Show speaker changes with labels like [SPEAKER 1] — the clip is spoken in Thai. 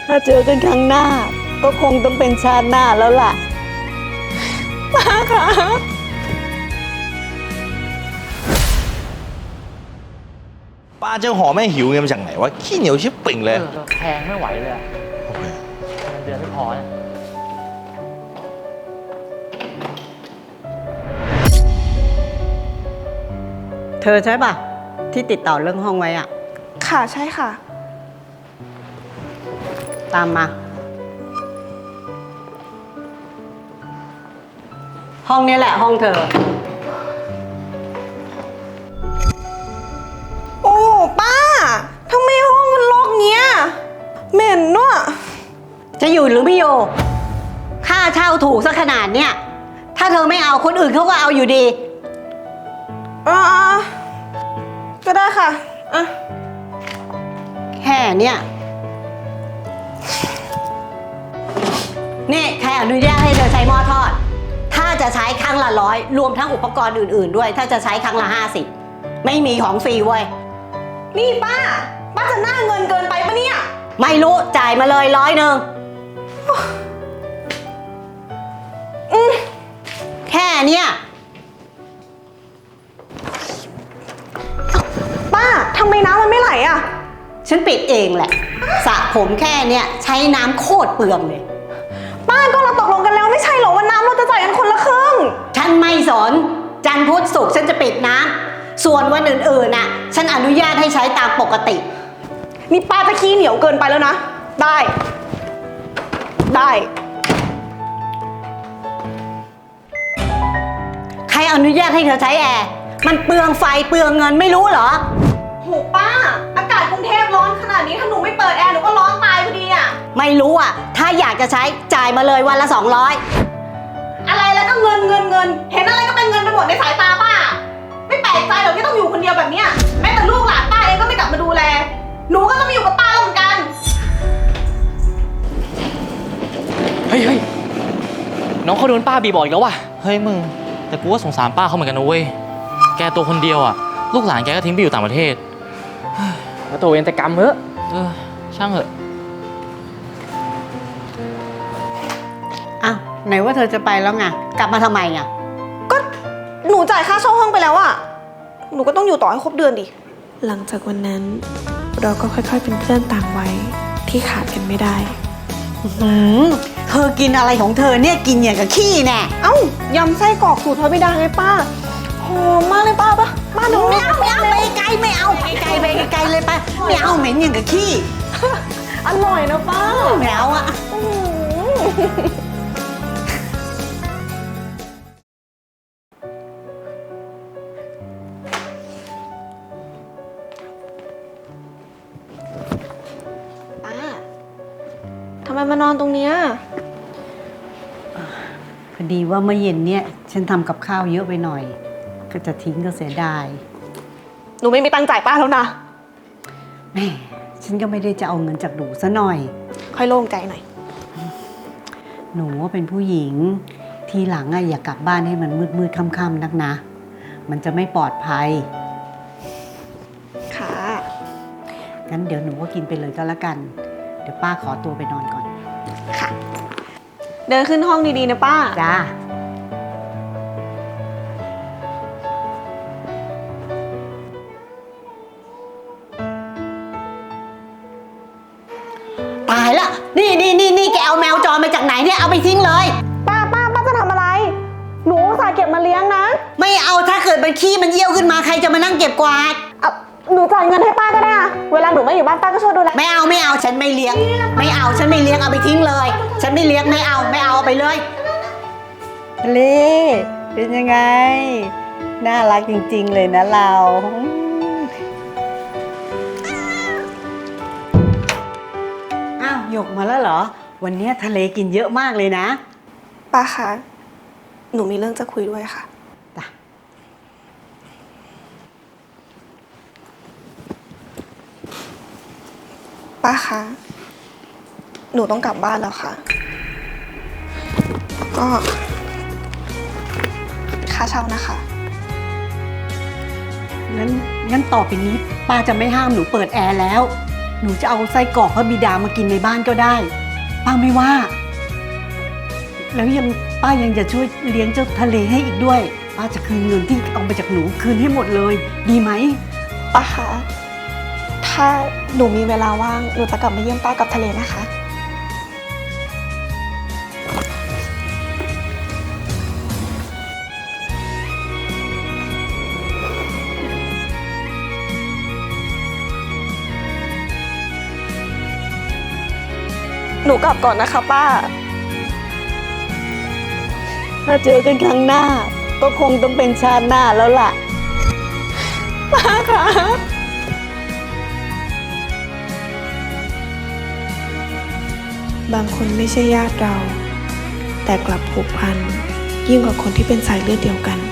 [SPEAKER 1] ถ้าเจอกันครั้งหน้า ก็คงต้องเป็นชาติหน้าแล้วล่ะป้าคะ
[SPEAKER 2] ป้าเจ้าหอแม่หิวเงินมาจากไหนวะขี้เหนียวชิบปิ่งเลย
[SPEAKER 3] แพงไม่ไหวเลยอะเงินเดือนไม่พอเนี่ย
[SPEAKER 1] เธอใช่ป่ะ ที่ติดต่อเรื่องห้องไว้อะ
[SPEAKER 4] ค่ะใช่ค่ะ
[SPEAKER 1] ตามมา ห้องนี้แหละห้องเธอ
[SPEAKER 4] โอ้ป้าทำไมห้องมันรกเงี้ยเหม็นเนอะ
[SPEAKER 1] จะอยู่หรือไม่อยู่ ค่าเช่าถูกซะขนาดเนี้ย ถ้าเธอไม่เอาคนอื่นเขาก็เอาอยู่ดี
[SPEAKER 4] อ่าก็ได้ค่ะอ่ะ
[SPEAKER 1] แค่เนี้ยนี่ใครอนุญาตให้เธอใช้หม้อทอด ถ้าจะใช้ครั้งละ100รวมทั้งอุปกรณ์อื่นๆด้วย ถ้าจะใช้ครั้งละ50ไม่มีของฟรีเว้ย
[SPEAKER 4] นี่ป้าจะหน้าเงินเกินไปปะเนี่ย
[SPEAKER 1] ไม่รู้จ่ายมาเลย100แค่เนี้ย
[SPEAKER 4] ป้าทำไมน้ำมันไม่ไหลอ่ะ
[SPEAKER 1] ฉันปิดเองแหละสระผมแค่เนี้ยใช้น้ำโคตรเปลืองเลย
[SPEAKER 4] ป้าก็เราตกลงกันแล้วไม่ใช่เหรอว่าน้ำเราจะจ่ายกันคนละครึ่ง
[SPEAKER 1] ฉันไม่สนจันทร์พุธศุกร์ฉันจะปิดน้ำส่วนวันอื่นๆน่ะ ฉันอนุญาตให้ใช้ตามปกติ
[SPEAKER 4] นี่ป้าจะขี้เหนียวเกินไปแล้วนะ ได้
[SPEAKER 1] ใครอนุญาตให้เธอใช้แอร์มันเปลืองไฟเปลืองเงินไม่รู้เหรอ
[SPEAKER 4] โหป้า อากาศกรุงเทพร้อนขนาดนี้ถ้าหนูไม่เปิดแอร์หนูก็ร้อนตายพอดีอ่ะ
[SPEAKER 1] ไม่รู้อ่ะ ถ้าอยากจะใช้จ่ายมาเลยวันละ200
[SPEAKER 4] อะไรแล้วก็เงิน เห็นอะไรก็เป็นเงินไปหมดในสายตาป้า ไม่แปลกใจหรอกที่ต้องอยู่คนเดียวแบบเนี้ยแม้แต่ลูกหลานป้าเองก็ไม่กลับมาดูแล หนูก็ต้องมาอยู่กับป้าแล้วเหมือนกัน
[SPEAKER 3] เฮ้ยน้องเขาโดนป้าบีบอีกแล้วว่ะ
[SPEAKER 2] เฮ้ยมึง
[SPEAKER 3] แต่กูก็สงสารป้าเขาเหมือนกันนะเว้ย แกตัวคนเดียวอ่ะ ลูกหลานแกก็ทิ้งไปอยู่ต่างประเทศแล้วตัวเองแต่กรรมเถอะช่างเถอะ
[SPEAKER 1] อ้าวไหนว่าเธอจะไปแล้วไงกลับมาทำไมอ่ะ
[SPEAKER 4] ก็หนูจ่ายค่าเช่าห้องไปแล้วอะหนูก็ต้องอยู่ต่อให้ครบเดือนดิ หลังจากวันนั้น เราก็ค่อยๆเป็นเพื่อนต่างวัยที่ขาดกันไม่ได้
[SPEAKER 1] เธอกินอะไรของเธอเนี่ยกินอย่างกับขี้แน่
[SPEAKER 4] เอ้ายำไส้กรอกสูตรพระบิดาไงป้าหอมมากเลยป้าป้าหนู
[SPEAKER 1] ไม่เอาไปไกลไม่เอาไปไกลเลยไปไม่เอาเหม็นอย่างกับขี้
[SPEAKER 4] อร่อยนะป้า
[SPEAKER 1] ไม่เอาอ่ะ
[SPEAKER 4] อื้อหือป้าทำไมมานอนตรงเนี้ย
[SPEAKER 1] พอดีว่าเมื่อเย็นเนี่ยฉันทำกับข้าวเยอะไปหน่อย ก็จะทิ้งก็เสียดาย
[SPEAKER 4] หนูไม่มีตังค์จ่ายป้าแล้วนะ
[SPEAKER 1] แม่ฉันก็ไม่ได้จะเอาเงินจากหนูซะหน่อย
[SPEAKER 4] ค่อยโล่งใจหน่อย
[SPEAKER 1] หนูว่าเป็นผู้หญิงทีหลังอะอย่ากลับบ้านให้มันมืดค่ำๆนักนะ มันจะไม่ปลอดภัย
[SPEAKER 4] ค่ะ
[SPEAKER 1] งั้นเดี๋ยวหนูก็กินไปเลยก็แล้วกัน เดี๋ยวป้าขอตัวไปนอนก่อน
[SPEAKER 4] ค่ะ เดินขึ้นห้องดีๆนะป้า
[SPEAKER 1] จ้า ตายละนี่แกเอาแมวจรมาจากไหนเนี่ยเอาไปทิ้งเลย
[SPEAKER 4] ป้าจะทำอะไร หนูอุตส่าห์เก็บมาเลี้ยงนะ
[SPEAKER 1] ไม่เอาถ้าเกิดมันขี้มันเยี่ยวขึ้นมาใครจะมานั่งเก็บกวาด
[SPEAKER 4] หนูจ่ายเงินให้ป้าก็ได้อะเวลาหนูไม่อยู่บ้านป้าก็ช่วยดูแล
[SPEAKER 1] ไม่เอาฉันไม่เลี้ยง ไม่เอาฉันไม่เลี้ยงเอาไปทิ้งเลย ฉันไม่เลี้ยงไม่เอาเอาไปเลยเล่เป็นยังไงน่ารักจริงๆเลยนะเราอ้าวหยกมาแล้วเหรอวันนี้ทะเลกินเยอะมากเลยนะ
[SPEAKER 4] ป้าคะ หนูมีเรื่องจะคุยด้วยค่ะ
[SPEAKER 1] จ้ะ
[SPEAKER 4] ป้าคะ หนูต้องกลับบ้านแล้วค่ะ ก็ค่าเช่านะคะ
[SPEAKER 1] งั้นต่อไปนี้ป้าจะไม่ห้ามหนูเปิดแอร์แล้วหนูจะเอาไส้กรอกพระบิดามากินในบ้านก็ได้ ป้าไม่ว่า แล้วป้ายังจะช่วยเลี้ยงเจ้าทะเลให้อีกด้วย ป้าจะคืนเงินที่เอาไปจากหนูคืนให้หมดเลย ดีไหม
[SPEAKER 5] ป้าคะถ้าหนูมีเวลาว่างหนูจะกลับมาเยี่ยมป้ากับทะเลนะคะ หนูกลับก่อนนะคะป้า
[SPEAKER 1] ถ้าเจอกันครั้งหน้า ก็คงต้องเป็นชาติหน้าแล้วล่ะ
[SPEAKER 5] ป้าคะบางคนไม่ใช่ญาติเรา แต่กลับผูกพันยิ่งกว่าคนที่เป็นสายเลือดเดียวกัน